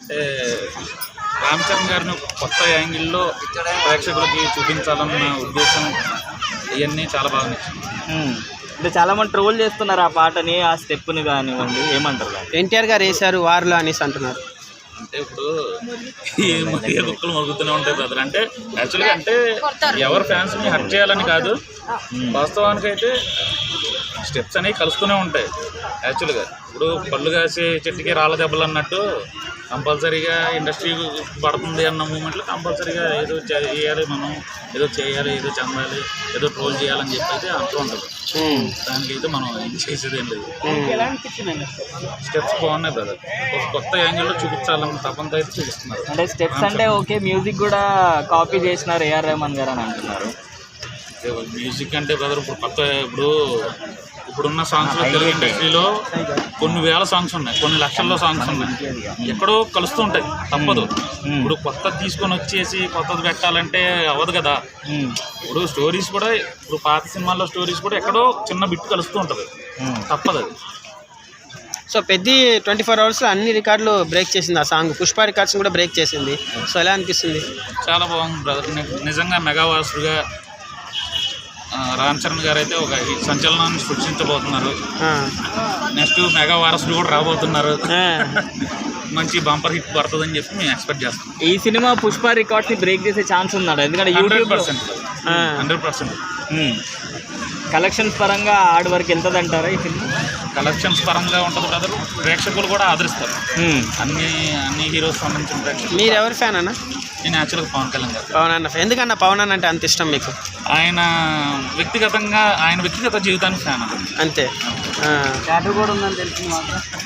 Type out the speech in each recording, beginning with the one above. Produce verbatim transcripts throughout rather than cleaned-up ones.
అంటే రామ్ చరణ్ గారిని ఒక కొత్త యాంగిల్లో ప్రేక్షకులకి చూపించాలన్న ఉద్దేశం ఇవన్నీ చాలా బాగా నచ్చింది. అంటే చాలా మంది ట్రోల్ చేస్తున్నారు ఆ పాటని, ఆ స్టెప్ని కానివ్వండి, ఏమంటారు? ఎన్టీఆర్ గారు వేశారు వార్లో అనేసి అంటున్నారు. అంటే ఇప్పుడు ఈ ఏ కుక్కలు మరుగుతూనే ఉంటాయి బ్రదర్. అంటే యాక్చువల్గా అంటే ఎవరు ఫ్యాన్స్ని హర్ట్ చేయాలని కాదు, వాస్తవానికి అయితే స్టెప్స్ అనేవి కలుస్తూనే ఉంటాయి. యాక్చువల్గా ఇప్పుడు పళ్ళు కాసే చెట్టుకి రాళ్ళ దెబ్బలు అన్నట్టు కంపల్సరీగా ఇండస్ట్రీ పడుతుంది అన్న మూమెంట్లో కంపల్సరీగా ఏదో చేయాలి, మనం ఏదో చేయాలి, ఏదో చెందాలి, ఏదో ట్రోల్ చేయాలని చెప్పి అయితే అంటూ ఉంటుంది. దానికైతే మనం ఏం చేసేది ఏం లేదు. స్టెప్స్ బాగున్నాయి బ్రదర్, ఒక కొత్త యాంగిల్లో చూపించాలన్న తపంతో అయితే చూపిస్తున్నారు. అంటే స్టెప్స్ అంటే ఓకే, మ్యూజిక్ కూడా కాపీ చేసినారు ఏఆర్ రెహమాన్ గారు అని అంటున్నారు. మ్యూజిక్ అంటే బ్రదర్ ఇప్పుడు కొత్త ఇప్పుడు ఇప్పుడున్న సాంగ్స్లో తెలుగు ఇండస్ట్రీలో కొన్ని వేల సాంగ్స్ ఉన్నాయి, కొన్ని లక్షల్లో సాంగ్స్ ఉన్నాయి, ఎక్కడో కలుస్తూ ఉంటాయి, తప్పదు. ఇప్పుడు కొత్తది తీసుకొని వచ్చేసి కొత్తది పెట్టాలంటే అవ్వదు కదా. ఇప్పుడు స్టోరీస్ కూడా ఇప్పుడు పాత సినిమాల్లో స్టోరీస్ కూడా ఎక్కడో చిన్న బిట్ కలుస్తూ ఉంటుంది, తప్పదు అది. సో పెద్ద ట్వంటీ ఫోర్ అవర్స్లో అన్ని రికార్డులు బ్రేక్ చేసింది ఆ సాంగ్. పుష్ప రికార్డ్స్ కూడా బ్రేక్ చేసింది. సో ఎలా అనిపిస్తుంది? చాలా బాగుంది బ్రదర్. నిజంగా మెగావాసుడుగా రామ్ చరణ్ గారు అయితే ఒక సంచలనాన్ని సృష్టించబోతున్నారు. నెక్స్ట్ మెగా వారసుడు కూడా రాబోతున్నారు. మంచి బంపర్ హిట్ పడుతుందని చెప్పి మేము ఎక్స్పెక్ట్ చేస్తాం. ఈ సినిమా పుష్ప రికార్డ్స్ ని బ్రేక్ చేసే ఛాన్స్ ఉన్నాడు, ఎందుకంటే YouTube percent hundred percent collections పరంగా ఆడి వరకు వెళ్తుంది అంటారా ఈ సినిమా? కలెక్షన్స్ పరంగా ఉంటుంది బ్రదర్, ప్రేక్షకులు కూడా ఆదరిస్తారు. అన్ని అన్ని హీరోస్ సంబంధించిన ప్రేక్షకులు. మీరు ఎవరి ఫ్యాన్ అన్న? నేను యాక్చువల్గా పవన్ కళ్యాణ్ గారు. పవన్ అన్న ఎందుకన్నా పవన్ అన్న అంటే అంత ఇష్టం మీకు? ఆయన వ్యక్తిగతంగా ఆయన వ్యక్తిగత జీవితానికి ఫ్యాన్ అంతే. కూడా ఉందని తెలిసింది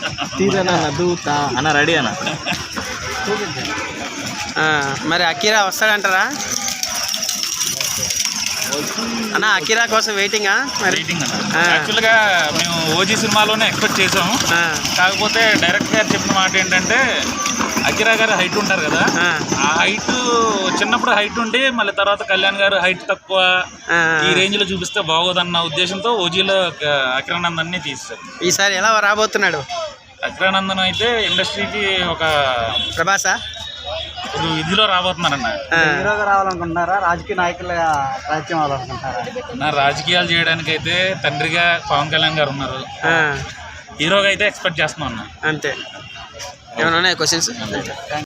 అన్న. రెడీ అన్న. మరి అకీరా వస్తాడంటారా అన్న? అకీరా కోసం వెయిటింగా? వెయిటింగ్ అన్న. యాక్చువల్గా మేము ఓజీ సినిమాలోనే ఎక్స్పెక్ట్ చేసాము, కాకపోతే డైరెక్టర్ గారు చెప్పిన మాట ఏంటంటే అకిరా గారు హైట్ ఉంటారు కదా, ఆ హైట్ చిన్నప్పుడు హైట్ ఉండి మళ్ళీ తర్వాత కళ్యాణ్ గారు హైట్ తక్కువ ఈ రేంజ్ లో చూపిస్తే బాగోదన్న ఉద్దేశంతో ఓజీలో అకిరానందన్ ని తీస్తారు. ఈసారి ఎలా రాబోతున్నాడు అకిరానందన్? అయితే ఇండస్ట్రీకి ఒక ప్రభాసా ఇదిలో రాబోతున్నారన్న. హీరోగా రావాలనుకుంటున్నారా, రాజకీయ నాయకుల రాజ్యం అవ్వాలనుకుంటున్నారా? నా రాజకీయాలు చేయడానికి అయితే తండ్రిగా పవన్ కళ్యాణ్ గారు ఉన్నారు, హీరోగా అయితే ఎక్స్పెక్ట్ చేస్తున్నాం అన్న. అంతే. ఏమైనా ఉన్నాయి క్వశ్చన్స్?